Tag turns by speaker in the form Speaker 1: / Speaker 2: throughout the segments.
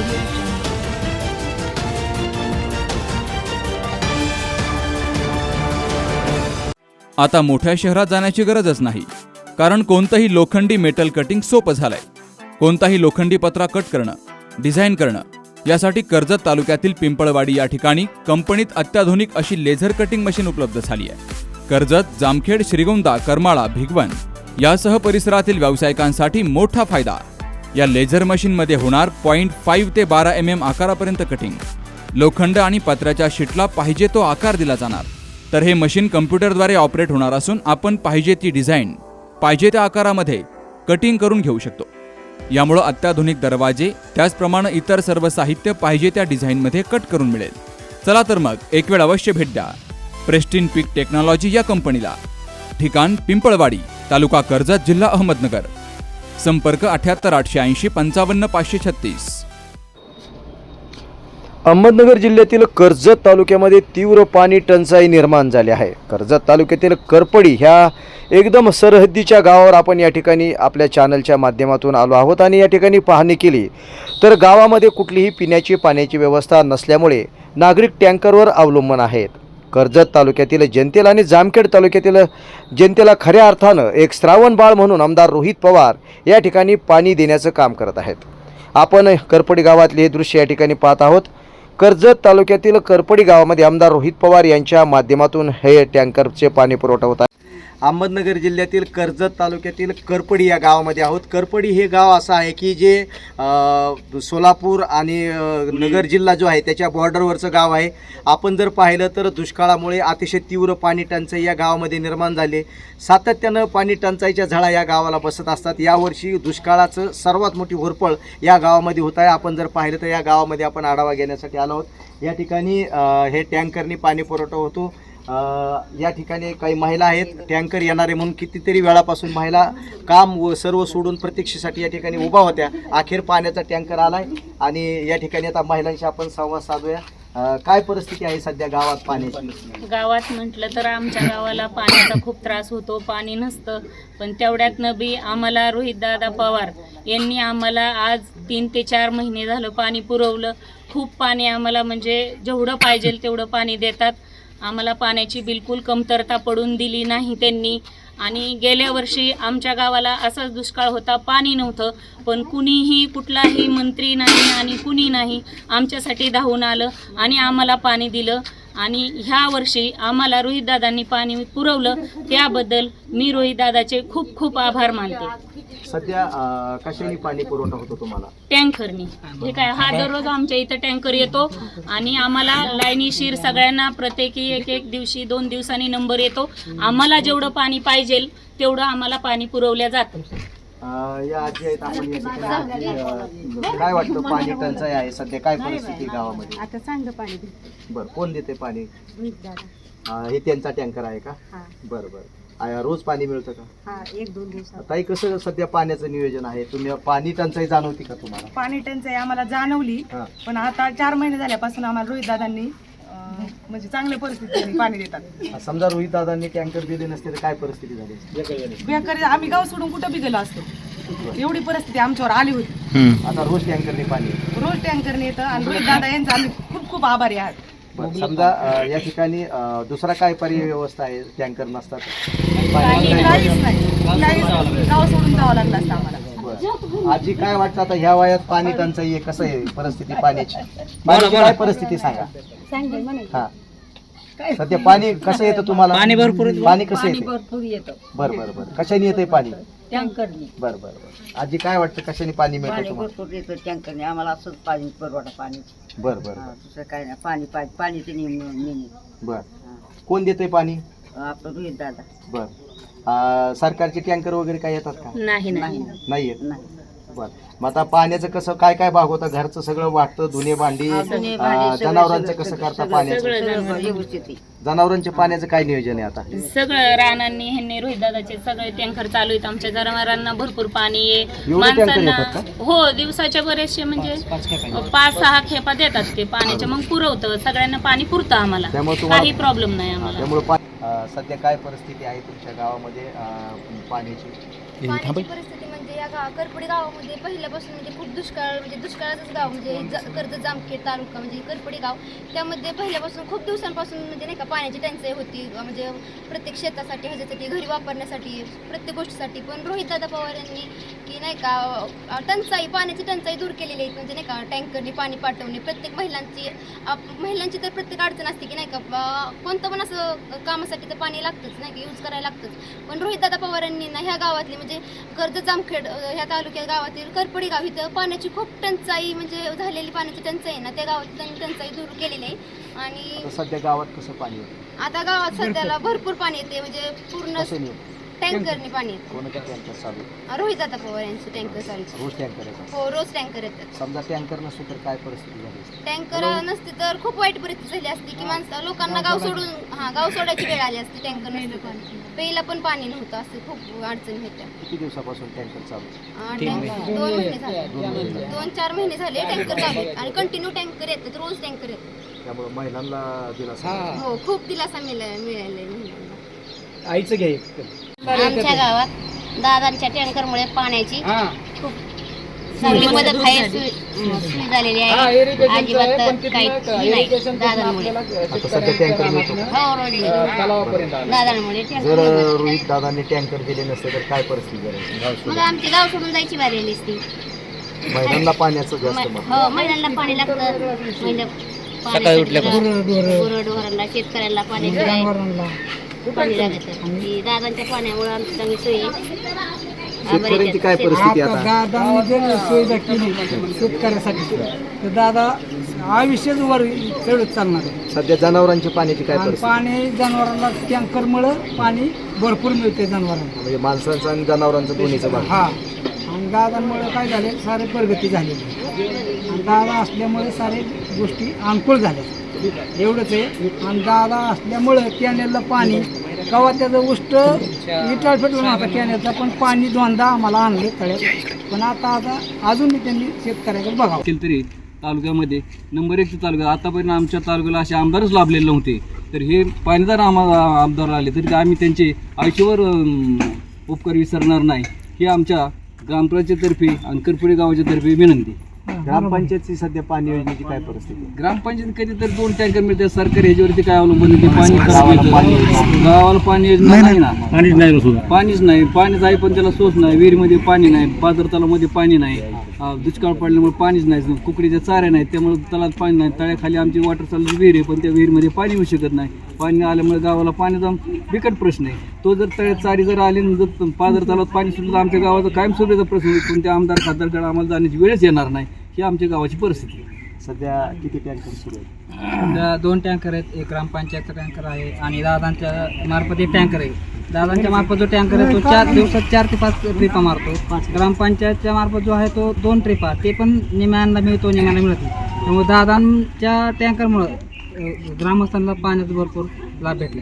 Speaker 1: आता मोठ्या शहरात जाण्याची गरजच नाही, कारण कोणतंही लोखंडी मेटल कटिंग सोपं झालंय. कोणताही लोखंडी पत्रा कट करणं, डिझाईन करणं यासाठी कर्जत तालुक्यातील पिंपळवाडी या ठिकाणी कंपनीत अत्याधुनिक अशी लेझर कटिंग मशीन उपलब्ध झाली आहे. कर्जत, जामखेड, श्रीगोंदा, करमाळा, भिगवण यासह परिसरातील व्यावसायिकांसाठी मोठा फायदा. या लेझर मशीनमध्ये होणार 0.5 ते 12 mm आकारापर्यंत कटिंग. लोखंड आणि पत्र्याच्या शीटला पाहिजे तो आकार दिला जाणार. तर हे मशीन कम्प्युटरद्वारे ऑपरेट होणार असून आपण पाहिजे ती डिझाईन पाहिजे त्या आकारामध्ये कटिंग करून घेऊ शकतो. यामुळे अत्याधुनिक दरवाजे त्याचप्रमाणे इतर सर्व साहित्य पाहिजे त्या डिझाईनमध्ये कट करून मिळेल. चला तर मग एक वेळ अवश्य भेट द्या प्रेस्टिन पीक टेक्नॉलॉजी या कंपनीला. ठिकाण पिंपळवाडी, तालुका कर्जत, जिल्हा अहमदनगर. संपर्क 78 880 55 536.
Speaker 2: अहमदनगर जिल्ह्यातील कर्जत तालुक्यामध्ये तीव्र पाणी टंचाई निर्माण झाली आहे. कर्जत तालुक्यातील करपडी ह्या एकदम सरहद्दीच्या गावावर आपण या ठिकाणी आपल्या चॅनलच्या माध्यमातून आलो आहोत आणि या ठिकाणी पाहणी केली तर गावामध्ये कुठलीही पिण्याची पाण्याची व्यवस्था नसल्यामुळे नागरिक टँकरवर अवलंबून आहेत. कर्जत तालुक्यातील जनतेला आणि जामखेड तालुक्यातील जनतेला खऱ्या अर्थानं एक श्रावण बाळ म्हणून आमदार रोहित पवार या ठिकाणी पाणी देण्याचं काम करत आहेत. आपण करपडी गावातले हे दृश्य या ठिकाणी पाहत आहोत. कर्जत तालुक्यातील करपडी गावामध्ये आमदार रोहित पवार यांच्या माध्यमातून हे टँकरचे पाणी पुरवठा होत आहे. अहमदनगर जिल्ह्यातील कर्जत तालुक्यातील करपडी या गावामध्ये आहोत. करपडी हे गाव असं आहे की जे सोलापूर आणि नगर जिल्हा जो आहे त्याच्या बॉर्डरवरचं गाव आहे. आपण जर पाहिलं तर दुष्काळामुळे अतिशय तीव्र पाणी टंचाई या गावामध्ये निर्माण झाले. सातत्यानं पाणी टंचाईच्या झळा या गावाला बसत असतात. यावर्षी दुष्काळाचं सर्वात मोठी होरपळ या गावामध्ये होत आहे. आपण जर पाहिलं तर या गावामध्ये आपण आढावा घेण्यासाठी आलो आहोत. या ठिकाणी हे टँकरनी पाणी पुरवठा होतो. या ठिकाणी काही महिला आहेत. टँकर येणारे म्हणून कितीतरी वेळापासून महिला काम व सर्व सोडून प्रतीक्षेसाठी या ठिकाणी उभा होत्या. अखेर पाण्याचा टँकर आलाय आणि या ठिकाणी आता महिलांशी आपण संवाद साधूया. काय परिस्थिती आहे सध्या गावात पाण्याची?
Speaker 3: गावात म्हटलं तर आमच्या गावाला पाण्याचा खूप त्रास होतो. पाणी नसतं, पण तेवढ्यातनं बी आम्हाला रोहितदादा पवार यांनी आम्हाला आज 3 ते 4 महिने झालं पाणी पुरवलं. खूप पाणी आम्हाला म्हणजे जेवढं पाहिजे तेवढं पाणी देतात. आम्हाला पाण्याची बिलकुल कमतरता पडून दिली नाही त्यांनी. आणि गेल्या वर्षी आमच्या गावाला असाच दुष्काळ होता, पाणी नव्हतं, पण कुणीही कुठलाही मंत्री नाही आणि कुणी नाही आमच्यासाठी धावून आलं आणि आम्हाला पाणी दिलं. आणि ह्या वर्षी आम्हाला रोहितदादांनी पाणी पुरवलं, त्याबद्दल मी रोहितदादाचे खूप खूप आभार मानते.
Speaker 2: सध्या कशाने पाणी पुरवठा होतो तुम्हाला?
Speaker 3: टँकरनी. हे काय, हा दररोज आमच्या इथं टँकर येतो आणि आम्हाला लाईनीशीर सगळ्यांना प्रत्येकी एक दिवशी 2 दिवसांनी नंबर येतो. आम्हाला जेवढं पाणी पाहिजे तेवढं आम्हाला पाणी पुरवलं जातं.
Speaker 2: या आजी आहेत आपण या ठिकाणी काय वाटतं पाणी टंचाई आहे सध्या, काय परिस्थिती गावामध्ये?
Speaker 4: आता चांगलं पाणी
Speaker 2: बरं, कोण देते पाणी?
Speaker 4: दादा.
Speaker 2: हे त्यांचा टँकर आहे का? बरं बरं. रोज पाणी मिळतं का?
Speaker 4: हा, 1-2 दिवसात.
Speaker 2: ताई, कसं सध्या पाण्याचं नियोजन आहे? तुम्ही पाणी टंचाई जाणवती का तुम्हाला?
Speaker 4: पाणी टंचाई आम्हाला जाणवली, पण आता 4 महिने झाल्यापासून आम्हाला रोहित दादांनी म्हणजे चांगल्या परिस्थितीने पाणी देतात.
Speaker 2: समजा रोहित दादांनी टँकर दिले नसते तर काय परिस्थिती झाली?
Speaker 4: बेकारी, आम्ही गाव सोडून कुठं बी गेलो असतो. एवढी परिस्थिती आमच्यावर आली होती.
Speaker 2: आता रोज टँकरने पाणी येतं.
Speaker 4: रोज टँकरने येतं आणि रोहित दादा यांचा आम्ही खूप खूप आभारी आहात.
Speaker 2: समजा या ठिकाणी दुसरा काय पर्याय व्यवस्था आहे टँकर नसतात?
Speaker 4: काहीच नाही, गाव सोडून जावं लागलं असतं आम्हाला.
Speaker 2: आजी, काय वाटतं आता ह्या वयात पाणी टंचाई आहे, कसं आहे परिस्थिती पाण्याची? काय परिस्थिती सांगा. हा, सध्या पाणी कसं येतं तुम्हाला? पाणी भरपूर. पाणी कसं येतं?
Speaker 4: भरपूर येतं.
Speaker 2: बरं बरं बरं. कशाने येतंय पाणी?
Speaker 4: टँकरने.
Speaker 2: बरं बरं बरं. आजी, काय वाटतं कशाने पाणी मिळतं तुम्हाला?
Speaker 4: भरपूर येतं टँकरने. आम्हाला असंच पाणी पुरवठा पाणी.
Speaker 2: बरं बरं.
Speaker 4: दुसरं काय नाही. पाणीचे नियम.
Speaker 2: बरं, कोण देतंय पाणी?
Speaker 4: आपलं रोहित दादा.
Speaker 2: बरं. सरकारचे टँकर वगैरे काय येतात का?
Speaker 3: नाही
Speaker 2: नाही येत. बरं, मग आता पाण्याचं कसं काय काय भाग होतं? घरचं सगळं वाटतं, धुणे भांडी, जनावरांचं कसं करता पाण्याचं? जनावरांच्या पाण्याचं काय नियोजन आहे आता?
Speaker 3: सगळं रानांनी ह्यांनी रोहितदादाचे सगळे टँकर चालू आहेत. आमच्या जनावरांना भरपूर पाणी आहे.
Speaker 2: एवढे टँकर येतात का?
Speaker 3: हो, दिवसाच्या बरेचसे म्हणजे 5-6 खेपा देतात ते पाण्याच्या, मग पुरवतं सगळ्यांना पाणी पुरतं आम्हाला. काही प्रॉब्लेम नाही आम्हाला.
Speaker 2: त्यामुळे सध्या काय परिस्थिती आहे तुमच्या गावामध्ये पाण्याची?
Speaker 5: पाण्याची परिस्थिती म्हणजे करपडी गावामध्ये पहिल्यापासून म्हणजे खूप दुष्काळाचंच गाव म्हणजे कर्जत जामखेड तालुका म्हणजे करपडी गाव, त्यामध्ये पहिल्यापासून खूप दिवसांपासून म्हणजे नाही का पाण्याची टंचाई होती, म्हणजे प्रत्येक शेतासाठी ह्याच्यासाठी घरी वापरण्यासाठी प्रत्येक गोष्टीसाठी. पण रोहितदादा पवार यांनी की नाही का पाण्याची टंचाई दूर केलेली आहे, म्हणजे नाही का टँकरने पाणी पाठवणे. प्रत्येक महिलांची तर प्रत्येक अडचण असते की नाही का कोणतं पण असं कामासाठी तर पाणी लागतंच नाही का, यूज करायला लागतंच. पण रोहितदादा पवार यांनी ना ह्या गावातली म्हणजे कर्जत जामखेड ह्या तालुक्यात गावातील करपडी गाव इथं पाण्याची खूप टंचाई म्हणजे झालेली पाण्याची टंचाई आहे ना, त्या गावात त्यांनी टंचाई दूर केलेली आहे. आणि
Speaker 2: सध्या गावात कसं पाणी येतं?
Speaker 5: आता गावात सध्याला भरपूर पाणी येते, म्हणजे पूर्ण टँकरने पाणी येतं.
Speaker 2: कोणत्या टँकर चालू?
Speaker 5: रोहितदादा पवार यांचे टँकर चालू.
Speaker 2: रोज टँकर येतात?
Speaker 5: हो, रोज टँकर येतात.
Speaker 2: समजा टँकर नसतो तर काय परिस्थिती झाली असती?
Speaker 5: टँकर नसते तर खूप वाईट परिस्थिती झाली असती की लोकांना गाव सोडायची वेळ आली असती. टँकर नसते पण प्यायला पण पाणी नव्हतं, असं खूप अडचणी होत्या.
Speaker 2: किती दिवसापासून टँकर चालू?
Speaker 5: 2 महिने झाले, 2-4 महिने झाले टँकर चालू आहेत आणि कंटिन्यू टँकर येतात, रोज टँकर येतात.
Speaker 2: त्यामुळे महिलांना दिलासा.
Speaker 5: हो, खूप दिलासा मिळालाय महिलांना.
Speaker 2: आईचं घ्याय
Speaker 6: आमच्या गावात दादांच्या टँकरमुळे पाण्याची खूप चांगली मदत आहे, सोय झालेली आहे. अजिबात काही नाही दादांमुळे.
Speaker 2: आता सध्या टँकर मिळतो.
Speaker 6: दादांमुळे
Speaker 2: जर रोहित दादांनी टँकर दिले नसते तर काय परिस्थिती झाली?
Speaker 6: मग आमची गाव सोडून जायची बारी आली असती.
Speaker 2: महिलांना पाण्याचं जास्त महत्त्व.
Speaker 6: हो, महिलांना पाणी लागतं, म्हणजे गुरढोरांना शेतकऱ्यांना पाणी लागतं. दादांच्या पाण्यामुळे आमची चांगली सोयी.
Speaker 2: शेतकऱ्यांची काय परिस्थिती आता?
Speaker 7: दादांनी जर सुविधा केली शेतकऱ्यासाठी तर दादा आयुष्यच वर चढत चालणार आहे.
Speaker 2: सध्या जनावरांची पाण्याची काय
Speaker 7: आणि
Speaker 2: परिस्थिती?
Speaker 7: पाणी जनावरांना टँकरमुळं पाणी भरपूर मिळते जनावरांना.
Speaker 2: म्हणजे माणसांचं आणि जनावरांचं दोन्हीचं भाग.
Speaker 7: हा, आणि दादांमुळे काय झाले, सारे प्रगती झालेली आहे. आणि दादा असल्यामुळे सारे गोष्टी अनुकूल झाल्या, एवढंच आहे. आणि दादा असल्यामुळं कॅनेलला पाणी कवा त्याचं उष्ट विटाळ पेटवून होता कॅनेलचा, पण पाणी 2दा आम्हाला आणले तळ्यात. पण आता अजून त्यांनी शेतकऱ्याकडे बघावं.
Speaker 8: तरी तालुक्यामध्ये नंबर 1 तालुका आतापर्यंत आमच्या तालुक्याला असे आमदारच लाभलेले नव्हते. तर हे पाणीदार आम्हाला आमदार आले तरी आम्ही त्यांचे आयुष्यभर उपकार विसरणार नाही, ही आमच्या ग्रामपंचायतीतर्फे आणि करपुडे गावाच्या तर्फे विनंती.
Speaker 2: ग्रामपंचायतची सध्या पाणी योजनेची काय परिस्थिती?
Speaker 8: ग्रामपंचायत कधी तर 2 टँकर मिळते, सरकारी ह्याच्यावरती काय अवलंबून आहे? पाणी गावाला पाणी योजना नाही ना, पाणीच नाही. पाणीच आहे पण त्याला सोच नाही, विहिरीमध्ये पाणी नाही, पाझर तलावामध्ये पाणी नाही, दुष्काळ पडल्यामुळे पाणीच नाही, कुकडीच्या चाऱ्या नाहीत त्यामुळे तलावात पाणी नाही. तळ्याखाली आमची वॉटर चालू विहीर आहे पण त्या विहिरीमध्ये पाणी येऊ शकत नाही. पाणी आल्यामुळे गावाला पाण्याचा बिकट प्रश्न आहे. तो जर तळ्यात चारी जर आली जर पाझर तलावात पाणी सुटलं तर आमच्या गावाचा कायमस्वरूपीचा प्रश्न होईल. कोणत्या आमदार खासदारकडे आम्हाला जाण्याची वेळच येणार नाही, ही आमच्या गावाची परिस्थिती आहे.
Speaker 2: सध्या किती टँकर सुरू आहेत?
Speaker 7: सध्या 2 टँकर आहेत, एक ग्रामपंचायतचा टँकर आहे आणि दादांच्या मार्फत एक टँकर आहे. दादांच्या मार्फत जो टँकर आहे तो 4 दिवसात 4 ते 5 ट्रिपा मारतो. ग्रामपंचायतच्या मार्फत जो आहे तो 2 ट्रिपा, ते पण निम्यांना मिळतो, निम्याला मिळत नाही. त्यामुळे दादांच्या टँकरमुळं ग्रामस्थांना पाण्याचा भरपूर लाभ भेटला.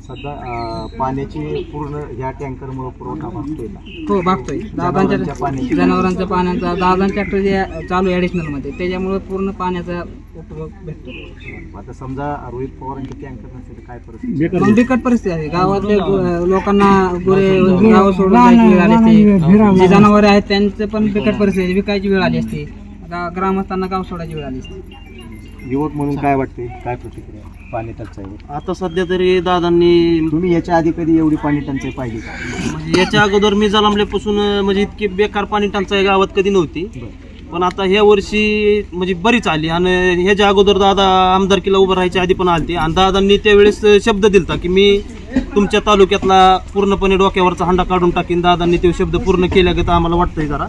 Speaker 2: सध्या पाण्याची पूर्ण ह्या टँकरमुळे पुरवठा भागतोय का?
Speaker 7: हो, भागतोय. दादांच्या जनावरांच्या पाण्याचा दादांच्या ट्रॅक्टर जे चालू आहे ॲडिशनलमध्ये त्याच्यामुळे पूर्ण पाण्याचा उपयोग भेटतो.
Speaker 2: आता समजा रोहित पवारांचे टँकर नसेल तर काय परिस्थिती?
Speaker 7: मग बिकट परिस्थिती आहे. गावातले लोकांना गुरे गाव सोडून जायची वेळ आली असते, जे जनावरे आहेत त्यांचं पण बिकट परिस्थिती आहे, विकायची वेळ आली असते, ग्रामस्थांना गाव सोडायची वेळ आली असते.
Speaker 2: युवक म्हणून काय वाटते, काय प्रतिक्रिया पाणी टंचाईवर?
Speaker 9: आता सध्या तरी दादांनी
Speaker 2: तुम्ही याच्या आधी कधी एवढी पाणी टंचाई पाहिली का?
Speaker 9: म्हणजे याच्या अगोदर मी जन्मल्यापासून म्हणजे इतकी बेकार पाणी टंचाई गावात कधी नव्हती. पण आता ह्या वर्षी म्हणजे बरीच आली. आणि ह्याच्या अगोदर दादा आमदारकीला उभं राहायच्या आधी पण आलते आणि दादांनी त्यावेळेस शब्द दिलता की मी तुमच्या तालुक्यातला पूर्णपणे डोक्यावरचा हंडा काढून टाकीन. दादांनी ते शब्द पूर्ण केल्यागत आम्हाला वाटतंय जरा.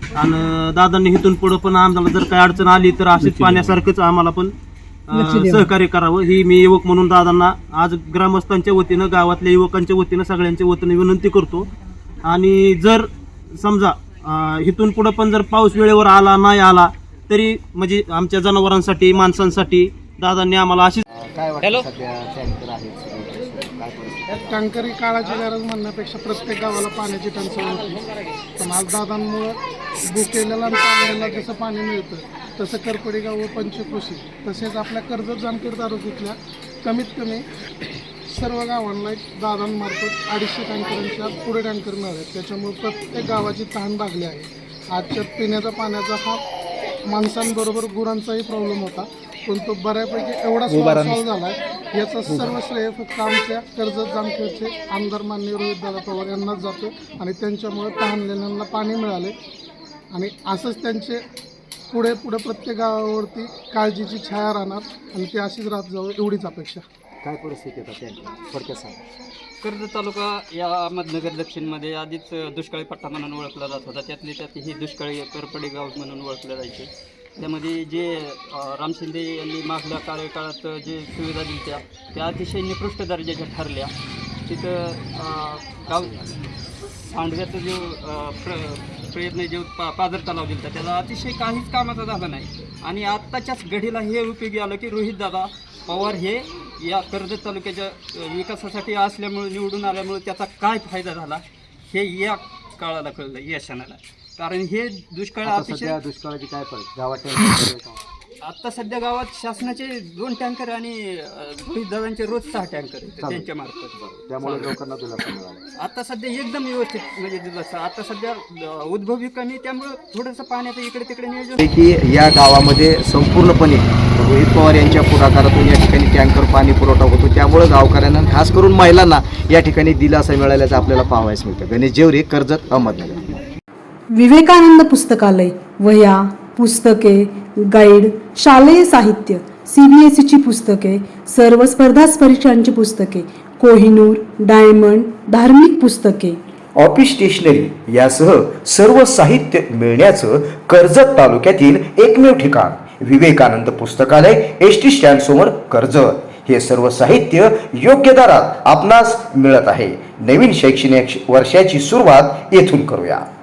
Speaker 9: आणि दादांनी इथून पुढं पण आम्हाला जर काही अडचण आली तर अशीच पाण्यासारखंच आम्हाला पण सहकार्य करावं, ही मी युवक म्हणून दादांना आज ग्रामस्थांच्या वतीनं, गावातल्या युवकांच्या वतीनं, सगळ्यांच्या वतीनं विनंती करतो. आणि जर समजा इथून पुढं पण जर पाऊस वेळेवर आला नाही आला तरी म्हणजे आमच्या जनावरांसाठी, माणसांसाठी दादांनी आम्हाला अशी
Speaker 2: काय वाटतं सध्या टँकर आहेत? काय परिस्थिती?
Speaker 10: टँकरी काळाची गरज म्हणण्यापेक्षा प्रत्येक गावाला पाण्याची टंचाई होती. पण आज दादांमुळं बुकेलेला आणि पाण्याला जसं पाणी मिळतं तसं करपडी गाव व पंचकृषी तसेच आपल्या कर्जत जामखेड तालुक्यातल्या कमीत कमी सर्व गावांना एक दादांमार्फत 250 टँकरांच्या पुढे टँकर मिळाले. त्याच्यामुळे प्रत्येक गावाची तहान लागली आहे. आजच्या पिण्याच्या पाण्याचा हा माणसांबरोबर गुरांचाही प्रॉब्लेम होता, पण तो बऱ्यापैकी एवढा सॉल्व्ह झाला आहे. याचा सर्व श्रेय फक्त आमच्या कर्जत जामखेडचे आमदार माननीय रोहितदादा पवार यांनाच जातो आणि त्यांच्यामुळे तहानलेल्यांना पाणी मिळाले आणि असंच त्यांचे पुढे प्रत्येक गावावरती काळजीची छाया राहणार आणि ती अशीच राहत जावं एवढीच अपेक्षा.
Speaker 2: काय परिस्थिती आहे थोडक्यात सांगा.
Speaker 8: कर्जत तालुका या अहमदनगर दक्षिणमध्ये आधीच दुष्काळी पट्टा म्हणून ओळखला जात होता. त्यातली त्यात ही दुष्काळी करपडी गाव म्हणून ओळखलं जायचे. त्यामध्ये जे राम शिंदे यांनी मागल्या कार्यकाळात जे सुविधा दिल्या त्या अतिशय निकृष्ट दर्जाच्या ठरल्या. तिथं गाव सांडव्याचा जो प्रयत्न जे पाझर तलाव दिला त्याचा अतिशय काहीच कामाचा झाला नाही. आणि आत्ताच्याच घडीला हे उपयोगी आलं की रोहितदादा पवार हे या कर्जत तालुक्याच्या विकासासाठी असल्यामुळे निवडून आल्यामुळे त्याचा काय फायदा झाला हे या काळाला कळलं, या क्षणाला. कारण हे दुष्काळ अतिशय
Speaker 2: दुष्काळाची काय परिस्थिती गावात?
Speaker 8: आता सध्या गावात शासनाचे 2 टँकर आणि रोहितदादांचे रोज 6 टँकर आहेत त्यांच्या मार्फत.
Speaker 2: त्यामुळे लोकांना दिलासा मिळाला.
Speaker 8: आता सध्या एकदम व्यवस्थित म्हणजे दिलासा. आता सध्या उद्भवी कमी, त्यामुळे थोडंसं पाण्याचं इकडे तिकडे नियोजन
Speaker 2: की या गावामध्ये संपूर्णपणे रोहित पवार यांच्या पुढाकारातून या ठिकाणी टँकर पाणी पुरवठा होतो. त्यामुळे गावकऱ्यांना खास करून महिलांना या ठिकाणी दिलासा मिळाल्याचं आपल्याला पाहावयास मिळतं. गणेश जेवरे, कर्जत, अहमदनगर.
Speaker 4: विवेकानंद पुस्तकालय, वह्या, पुस्तके, गाईड, शालेय साहित्य, CBSEची पुस्तके, सर्व स्पर्धा परीक्षांची पुस्तके, कोहिनूर, डायमंड, धार्मिक पुस्तके,
Speaker 2: ऑफिस स्टेशनरी यासह सर्व साहित्य मिळण्याचं कर्जत तालुक्यातील एकमेव ठिकाण विवेकानंद पुस्तकालय, ST स्टँड समोर, कर्जत. हे सर्व साहित्य योग्य दरात आपणास मिळत आहे. नवीन शैक्षणिक वर्षाची सुरुवात येथून करूया.